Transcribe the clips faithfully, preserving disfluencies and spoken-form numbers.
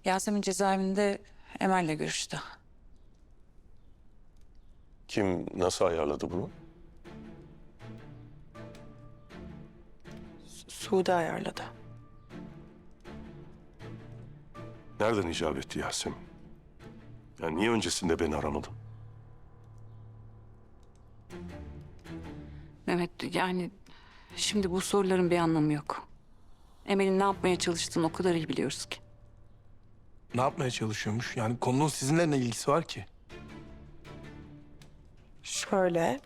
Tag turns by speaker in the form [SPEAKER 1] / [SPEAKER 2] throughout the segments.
[SPEAKER 1] Yasemin cezaevinde Emel'le görüştü.
[SPEAKER 2] Kim nasıl ayarladı bunu?
[SPEAKER 3] Sude ayarladı.
[SPEAKER 2] Nereden icap etti Yasemin? Yani niye öncesinde beni aramadın?
[SPEAKER 1] Mehmet yani şimdi bu soruların bir anlamı yok. Emel'in ne yapmaya çalıştığını o kadar iyi biliyoruz ki.
[SPEAKER 4] Ne yapmaya çalışıyormuş? Yani konunun sizinle ne ilgisi var ki?
[SPEAKER 3] Şöyle.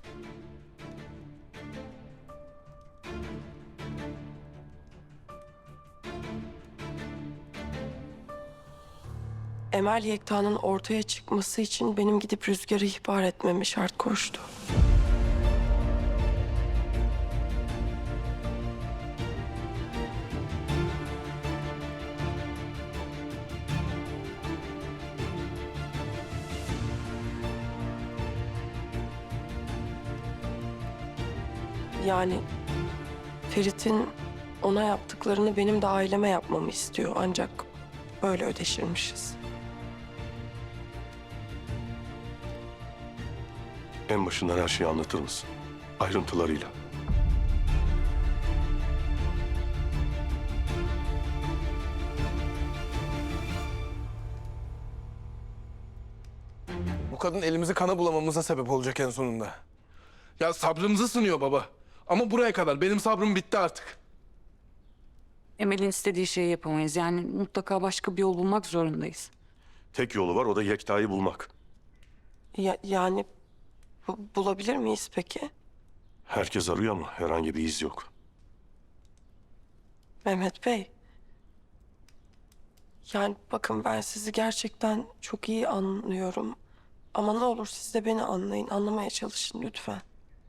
[SPEAKER 3] Emel Yekta'nın ortaya çıkması için benim gidip Rüzgar'ı ihbar etmemi şart koştu. Yani Ferit'in ona yaptıklarını benim de aileme yapmamı istiyor. Ancak böyle ödeşirmişiz.
[SPEAKER 2] En başından her şeyi anlatır mısın? Ayrıntılarıyla.
[SPEAKER 4] Bu kadın elimizi kana bulamamıza sebep olacak en sonunda. Ya sabrımızı sınıyor baba. Ama buraya kadar. Benim sabrım bitti artık.
[SPEAKER 1] Emel'in istediği şeyi yapamayız. Yani mutlaka başka bir yol bulmak zorundayız.
[SPEAKER 2] Tek yolu var, o da Yekta'yı bulmak.
[SPEAKER 3] Ya, yani bu- bulabilir miyiz peki?
[SPEAKER 2] Herkes arıyor ama herhangi bir iz yok.
[SPEAKER 3] Mehmet Bey. Yani bakın ben sizi gerçekten çok iyi anlıyorum. Ama ne olur siz de beni anlayın, anlamaya çalışın lütfen.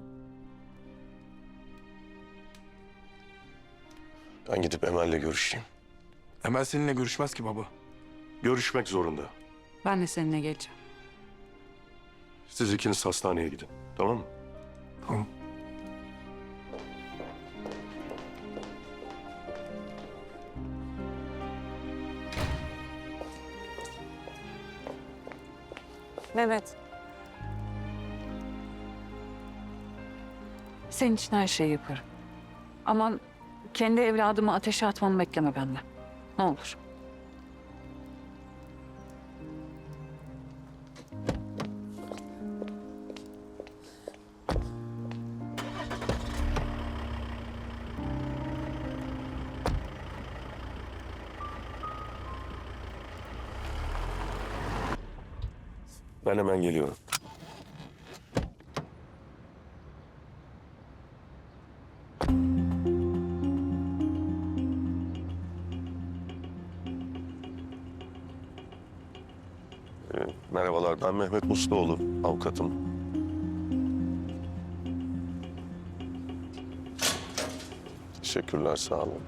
[SPEAKER 2] Ben gidip Emel'le görüşeyim.
[SPEAKER 4] Emel seninle görüşmez ki baba.
[SPEAKER 2] Görüşmek zorunda.
[SPEAKER 1] Ben de seninle geleceğim.
[SPEAKER 2] Siz ikiniz hastaneye gidin, tamam mı?
[SPEAKER 4] Tamam.
[SPEAKER 1] Mehmet. Senin için her şeyi yaparım. Ama kendi evladımı ateşe atmamı bekleme benden. Ne olur.
[SPEAKER 2] Ben hemen geliyorum. Ee, merhabalar, ben Mehmet Musluoğlu, avukatım. Teşekkürler, sağ olun.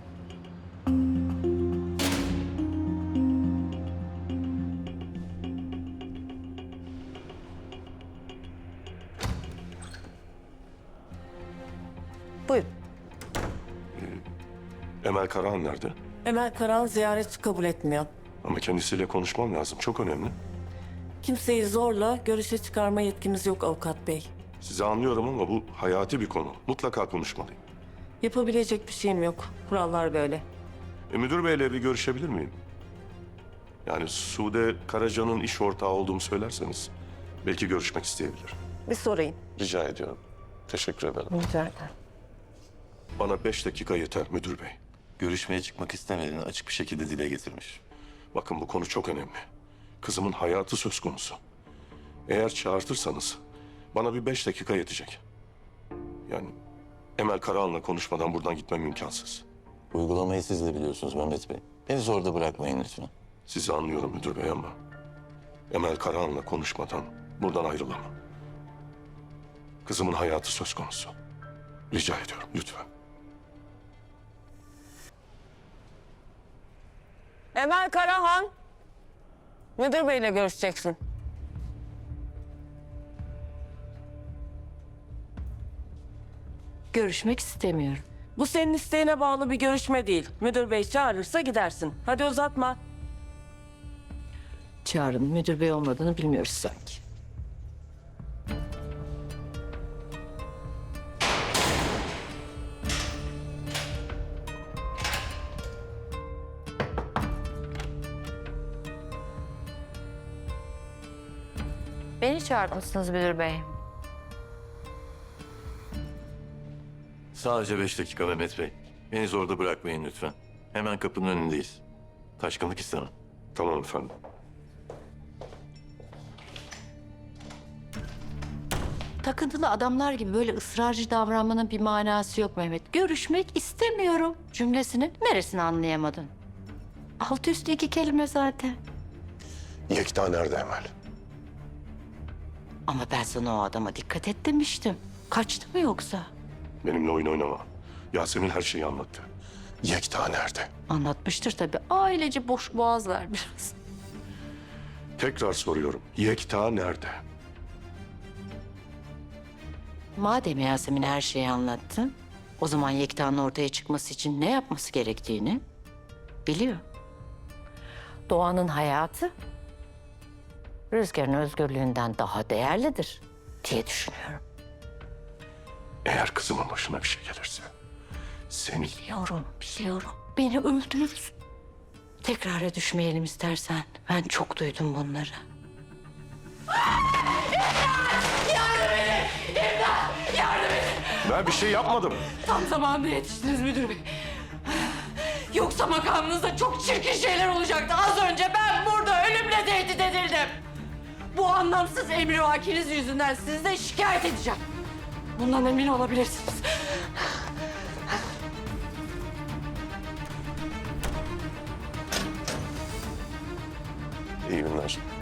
[SPEAKER 5] Buyurun.
[SPEAKER 2] Emel Karahan nerede?
[SPEAKER 5] Emel Karan ziyaret kabul etmiyor.
[SPEAKER 2] Ama kendisiyle konuşmam lazım, çok önemli.
[SPEAKER 5] Kimseyi zorla görüşe çıkarma yetkimiz yok avukat bey.
[SPEAKER 2] Sizi anlıyorum ama bu hayati bir konu. Mutlaka konuşmalıyım.
[SPEAKER 5] Yapabilecek bir şeyim yok. Kurallar böyle.
[SPEAKER 2] E, müdür beyle bir görüşebilir miyim? Yani Sude Karaca'nın iş ortağı olduğumu söylerseniz belki görüşmek isteyebilir.
[SPEAKER 5] Bir sorayım.
[SPEAKER 2] Rica ediyorum. Teşekkür ederim.
[SPEAKER 5] Rica ederim.
[SPEAKER 2] Bana beş dakika yeter müdür bey.
[SPEAKER 6] Görüşmeye çıkmak istemediğini açık bir şekilde dile getirmiş.
[SPEAKER 2] Bakın bu konu çok önemli. Kızımın hayatı söz konusu. Eğer çağırtırsanız bana bir beş dakika yetecek. Yani Emel Karahan'la konuşmadan buradan gitmem imkansız.
[SPEAKER 6] Uygulamayı siz de biliyorsunuz Mehmet Bey. Beni zorda bırakmayın lütfen.
[SPEAKER 2] Sizi anlıyorum müdür bey ama Emel Karahan'la konuşmadan buradan ayrılamam. Kızımın hayatı söz konusu. Rica ediyorum lütfen.
[SPEAKER 5] Emel Karahan. Müdür beyle görüşeceksin.
[SPEAKER 7] Görüşmek istemiyorum.
[SPEAKER 5] Bu senin isteğine bağlı bir görüşme değil. Müdür bey çağırırsa gidersin. Hadi uzatma. Çağrı'nın müdür bey olmadığını bilmiyoruz sanki.
[SPEAKER 7] Beni çağırmışsınız müdür bey.
[SPEAKER 6] Sadece beş dakika Mehmet Bey. Beni zorda bırakmayın lütfen. Hemen kapının önündeyiz. Taşkınlık istemem.
[SPEAKER 2] Tamam efendim.
[SPEAKER 7] Takıntılı adamlar gibi böyle ısrarcı davranmanın bir manası yok Mehmet. Görüşmek istemiyorum cümlesinin neresini anlayamadın? Alt üstü iki kelime zaten.
[SPEAKER 2] Yekta nerede Emel?
[SPEAKER 7] Ama ben sana o adama dikkat et demiştim. Kaçtı mı yoksa?
[SPEAKER 2] Benimle oyun oynama. Yasemin her şeyi anlattı. Yekta nerede?
[SPEAKER 7] Anlatmıştır tabii. Ailece boş boğazlar biraz.
[SPEAKER 2] Tekrar soruyorum. Yekta nerede?
[SPEAKER 7] Madem Yasemin her şeyi anlattı, o zaman Yekta'nın ortaya çıkması için ne yapması gerektiğini biliyor. Doğan'ın hayatı Rüzgar'ın özgürlüğünden daha değerlidir diye düşünüyorum.
[SPEAKER 2] Eğer kızımın başına bir şey gelirse seni...
[SPEAKER 7] Biliyorum, biliyorum. Beni öldürürsün. Tekrara düşmeyelim istersen. Ben çok duydum bunları.
[SPEAKER 2] Ben bir şey yapmadım.
[SPEAKER 5] Tam zamanında yetiştiniz müdür bey. Yoksa makamınızda çok çirkin şeyler olacaktı. Az önce ben burada ölümle tehdit edildim. Bu anlamsız emrivakiniz yüzünden sizi de şikayet edeceğim. Bundan emin olabilirsiniz.
[SPEAKER 2] İyi günler.